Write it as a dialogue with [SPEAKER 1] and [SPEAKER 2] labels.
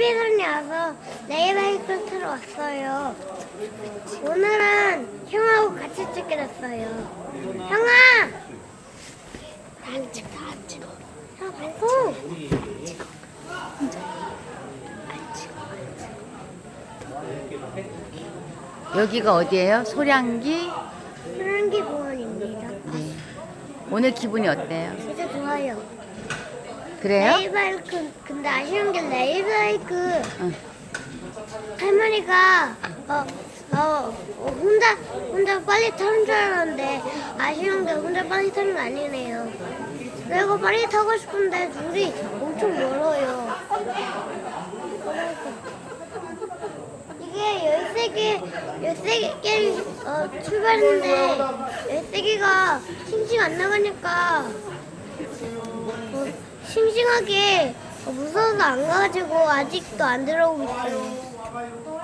[SPEAKER 1] TV에서는 와서 레이바이크를 타러 왔어요. 오늘은 형하고 같이 찍게 됐어요. 형아! 안 찍어, 안 찍어. 형 방송! 안 찍어. 안 찍어.
[SPEAKER 2] 여기가 어디예요? 소량기?
[SPEAKER 1] 소량기 공원입니다.
[SPEAKER 2] 네. 오늘 기분이 어때요?
[SPEAKER 1] 진짜 좋아요.
[SPEAKER 2] 그래요?
[SPEAKER 1] 레이바이크, 근데 아쉬운 게 레이바이크
[SPEAKER 2] 응.
[SPEAKER 1] 할머니가 혼자 빨리 타는 줄 알았는데 아쉬운 게 혼자 빨리 타는 거 아니네요. 내가 빨리 타고 싶은데 둘이 엄청 멀어요. 이게 13개 출발했는데 13개가 싱싱 안 나가니까 싱싱하게 무서워서 안 가가지고 아직도 안 들어오고 있어요.